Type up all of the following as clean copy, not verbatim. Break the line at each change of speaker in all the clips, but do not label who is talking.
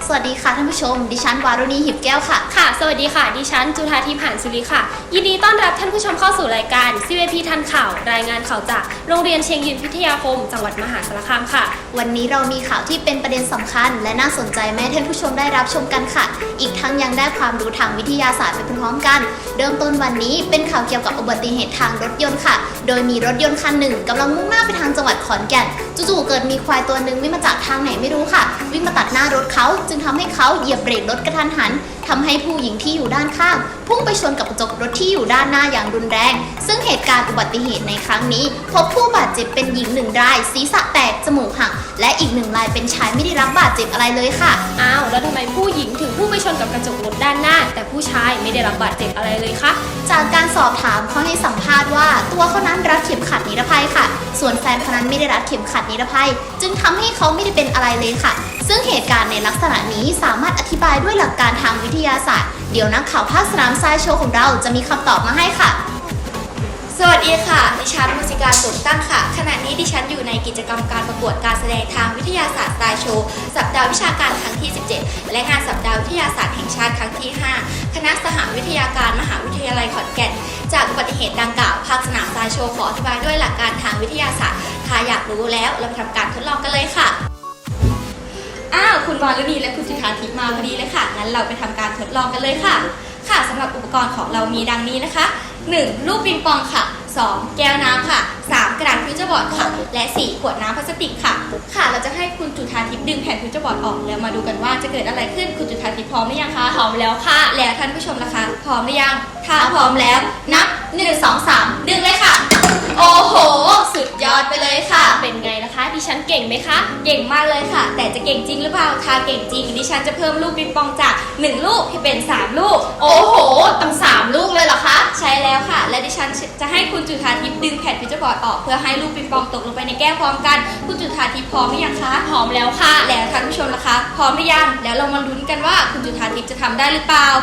สวัสดีค่ะท่านผู้ชมดิฉันวารุณีหิบแก้วค่ะ
ค่ะสวัสดีค่ะดิฉันจุธาทิพย์หานสุริค่ะยินดีต้อนรับท่านผู้ชมเข้าสู่รายการ CVP ทันข่าวรายงานข่าวจากโรงเรียนเชียงยืนพิทยาคมจังหวัดมหาสารคามค่ะ
วันนี้เรามีข่าวที่เป็นประเด็นสำคัญและน่าสนใจแม้ท่านผู้ชมได้รับชมกันค่ะอีกทั้งยังได้ความรู้ทางวิทยาศาสตร์ไปพร้อมๆกันเริ่มต้นวันนี้เป็นข่าวเกี่ยวกับอุบัติเหตุทางรถยนต์ค่ะโดยมีรถยนต์คันหนึ่งกำลังมุ่งหน้าไปทางจังหวัดขอนแก่นจู่ๆเกิดมีควายตัวหนึ่งวิ่งมาจากทางไหนไม่รู้ค่ะวิ่งมาตัดหน้ารถเขาจึงทำให้เขาเหยียบเบรกรถกระทันหันทำให้ผู้หญิงที่อยู่ด้านข้างพุ่งไปชนกับกระจกรถที่อยู่ด้านหน้าอย่างรุนแรงซึ่งเหตุการณ์อุบัติเหตุในครั้งนี้พบผู้บาดเจ็บเป็นหญิง1 รายศีรษะแตกจมูกหักและอีก1 รายเป็นชายไม่ได้รับบาดเจ็บอะไรเลยค่ะ
อ้าวแล้วทำไมผู้หญิงถึงพุ่งไปชนกับกระจกรถด้านหน้าแต่ผู้ชายไม่ได้รับบาดเจ็บอะไรเลยคะ
จากการสอบถามเขาให้สัมภาษณ์ว่าตัวเขานั้นรัดเข็มขัดนิรภัยค่ะส่วนแฟนเขานั้นไม่ได้รัดเข็มขัดนิรภัยจึงทำให้เขาไม่ได้เป็นอะไรเลยค่ะซึ่งเหตุการณ์ในลักษณะนี้สามารถอธิบายด้วยหลักการทางวิทยาศาสตร์เดี๋ยวนักข่าวภาคสนามทรายโชว์ของเราจะมีคำตอบมาให้ค่ะ
สวัสดีค่ะดิฉันมุสิการสุขตั้งค่ะขณะนี้ดิฉันอยู่ในกิจกรรมการประกวดการแสดงทางวิทยาศาสตร์ทรายโชว์สัปดาห์วิชาการครั้งที่17และงานสัปดาห์วิทยาศาสตร์แห่งชาติครั้งที่5คณะสหวิทยาการมหาวิทยาลัยขอนแก่นจากอุบัติเหตุดังกล่าวภาคสนามทรายโชว์ขออธิบายด้วยหลักการทางวิทยาศาสตร์ถ้าอยากรู้แล้วเราไปทำการทดลองกันเลยค่ะคุณวารุณีและคุณจุธาทิพย์มาพอดีเลยค่ะงั้นเราไปทำการทดลองกันเลยค่ะค่ะสำหรับอุปกรณ์ของเรามีดังนี้นะคะ 1. ลูกปิงปองค่ะ 2. แก้วน้ำค่ะ 3. กระดาษฟิวเจอร์บอร์ดค่ะและ 4. ขวดน้ำพลาสติกค่ะค่ะเราจะให้คุณจุธาทิพย์ดึงแผ่นฟิวเจอร์บอร์ดออกแล้วมาดูกันว่าจะเกิดอะไรขึ้นคุณจุธาทิพย์พร้อมหรือยังคะ
พร้อมแล้วค่ะ
แล้วท่านผู้ชมล่ะคะพร้อมหรือยังถ้าพร้อมแล้วนับ1 2 3ดึงเลยค่ะโอ้โหสุดยอดไปเลยค่ะ
เป็นไงล่ะคะดิฉันเก่งไหมคะ
เก่งมากเลยค่ะแต่จะเก่งจริงหรือเปล่าถ้าเก่งจริงดิฉันจะเพิ่มลูกปิงปองจาก1 ลูกให้เป็น3 ลูก
โอ้โหตั้ง3 ลูกเลยเหรอคะ
ใช่แล้วค่ะและดิฉันจะให้คุณจุธาทิพย์ดึงแผ่นฟิวเจอร์บอร์ดออกเพื่อให้ลูกปิงปองตกลงไปในแก้วพร้อมกันคุณจุธาทิพย์พร้อมหรือยังคะ
พร้อมแล้วค่ะ
แล้วท่านผู้ชมล่ะคะพร้อมหรือยังแล้วเรามาลุ้นกันว่าคุณจุธาทิพย์จะทำได้หรือเปล่า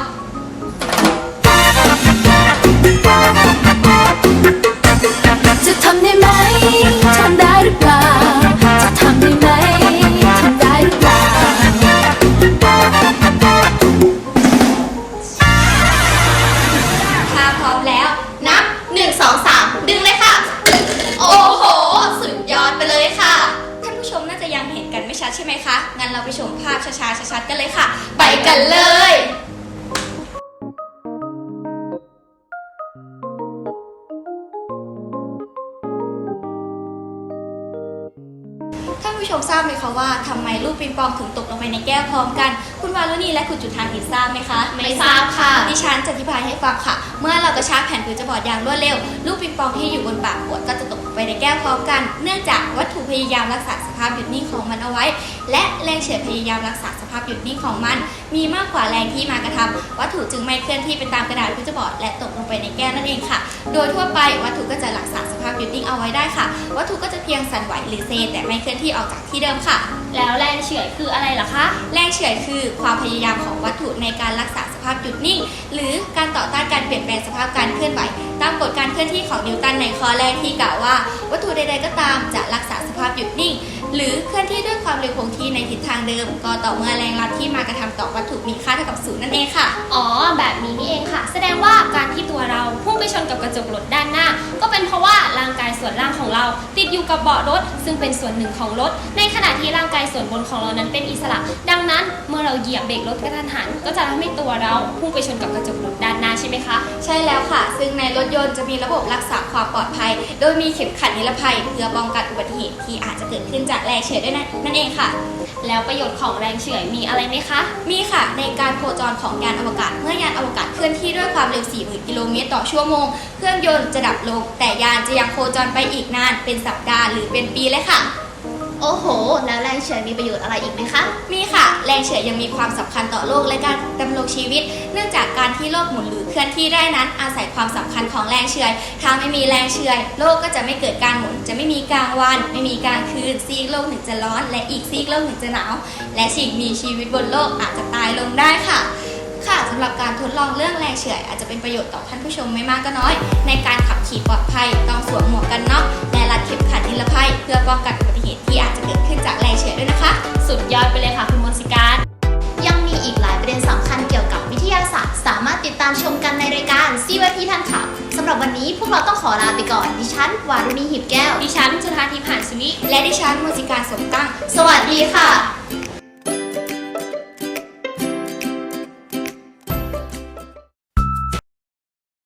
จะทำได้ไหมทำได้หรือเปล่าจะทำได้ไหมทำได้หรือเปล่า
ถ้าพร้อมแล้วนับ1 2 3ดึงเลยค่ะโอ้โหสุดยอดไปเลยค่ะท่านผู้ชมน่าจะยังเห็นกันไม่ชัดใช่ไหมคะงั้นเราไปชมภาพช้าๆชัดๆกันเลยค่ะไปกันเลยท่านผู้ชมทราบไหมคะว่าทำไมลูกปิงปองถึงตกลงไปในแก้วพร้อมกันคุณวารุณีและคุณจุธาทิพย์ทราบไหมคะ
ไม่ทราบค่ะ
ดิฉันจะอธิบายให้ฟังค่ะเมื่อเรากระชากแผ่นฟิวเจอร์บอร์ดอย่างรวดเร็วลูกปิงปองที่อยู่บนปากขวดก็จะตกลงไปในแก้วพร้อมกันเนื่องจากวัตถุพยายามรักษาสภาพหยุดนิ่งของมันเอาไว้และแรงเฉื่อยพยายามรักษาสภาพหยุดนิ่งของมันมีมากกว่าแรงที่มากระทำวัตถุจึงไม่เคลื่อนที่ไปตามกระดาษฟิวเจอร์บอร์ดและตกลงไปในแก้วนั่นเองค่ะโดยทั่วไปวัตถุก็จะรักษาสภาพหยุดนิ่งเอาไว้ได้ค่ะวัตถุก็จะเพียงสั่นไหวหรือเซแต่ไม่เคลื่อนที่ออกจากที่เดิมค่ะ
แล้วแรงเฉื่อยคืออะไรล่ะคะ
แรงเฉื่อยคือความพยายามของวัตถุในการรักษาสภาพหยุดนิ่งหรือการต่อต้านการเปลี่ยนแปลงสภาพการเคลื่อนไหวตามกฎการเคลื่อนที่ของนิวตันในข้อแรกที่กล่าวว่าวัตถุใดๆก็ตามจะรักษาสภาพหยุดนิ่งหรือเคลื่อนที่ด้วยความเร็วคงที่ในทิศทางเดิมก็ต่อเมื่อแรงลัดที่มากระทำต่อวัตถุมีค่าเท่ากับ0นั่นเองค่ะ
อ๋อแบบนี้นี่เองค่ะแสดงว่าการที่ตัวเราพุ่งไปชนกับกระจกรถด้านหน้าก็เป็นเพราะว่าร่างกายส่วนล่างของเราติดอยู่กับเบาะรถซึ่งเป็นส่วนหนึ่งของรถในขณะที่ร่างกายส่วนบนของเรานั้นเป็นอิสระดังนั้นเมื่อเราเหยียบเบรกรถกระทันหันก็จะทำให้ตัวเราพุ่งไปชนกับกระจกรถด้านหน้าใช่ไหมคะ
ใช่แล้วค่ะซึ่งในรถยนต์จะมีระบบรักษาความปลอดภัยโดยมีเข็มขัดนิรภัยเพื่อป้องกันอุบัติเหตุที่อาจจะเกิดขึ้นจากแรงเฉื่อยด้วยนั่นเองค่ะ
แล้วประโยชน์ของแรงเฉื่อยมีอะไรไหมคะ
มีค่ะในการโคจรของยานอวกาศเมื่อยานอวกาศเคลื่อนที่ด้วยความเร็ว 40,000 กิโลเมตรต่อชั่วโมงเครื่องยนต์จะดับลงแต่ยานจะยังโคจรไปอีกนานเป็นสัปดาห์หรือเป็นปีเลยค่ะ
โอ้โหแล้วแรงเฉื่อยมีประโยชน์อะไรอีกไหมคะ
มีค่ะแรงเฉื่อยยังมีความสำคัญต่อโลกและการดำรงชีวิตเนื่องจากการที่โลกหมุนหรือเคลื่อนที่ได้นั้นอาศัยความสำคัญของแรงเฉื่อยถ้าไม่มีแรงเฉื่อยโลกก็จะไม่เกิดการหมุนจะไม่มีกลางวันไม่มีกลางคืนซีกโลกหนึ่งจะร้อนและอีกซีกโลกหนึ่งจะหนาวและสิ่งมีชีวิตบนโลกอาจจะตายลงได้ค่ะสำหรับการทดลองเรื่องแรงเฉื่อยอาจจะเป็นประโยชน์ต่อท่านผู้ชมไม่มากก็น้อยในการขับขี่ปลอดภัยต้องสวมหมวกกันน็อกและรัดเข็มขัดนิรภัยเพื่อป้องกันอุบัติเหตุที่อาจจะเกิดขึ้นจากแรงเฉื่อยด้วยนะคะ
สุดยอดไปเลยค่ะคุณมนต์สิการ
ศาสตร์สามารถติดตามชมกันในรายการ CYP ทันข่าวสำหรับวันนี้พวกเราต้องขอลาไปก่อนดิฉันวารุณีหิบแก้ว
ดิฉันจุธาทิพย์หานสวิ
และดิฉันมูสิการสมตั้ง
สวัสดีค่ะ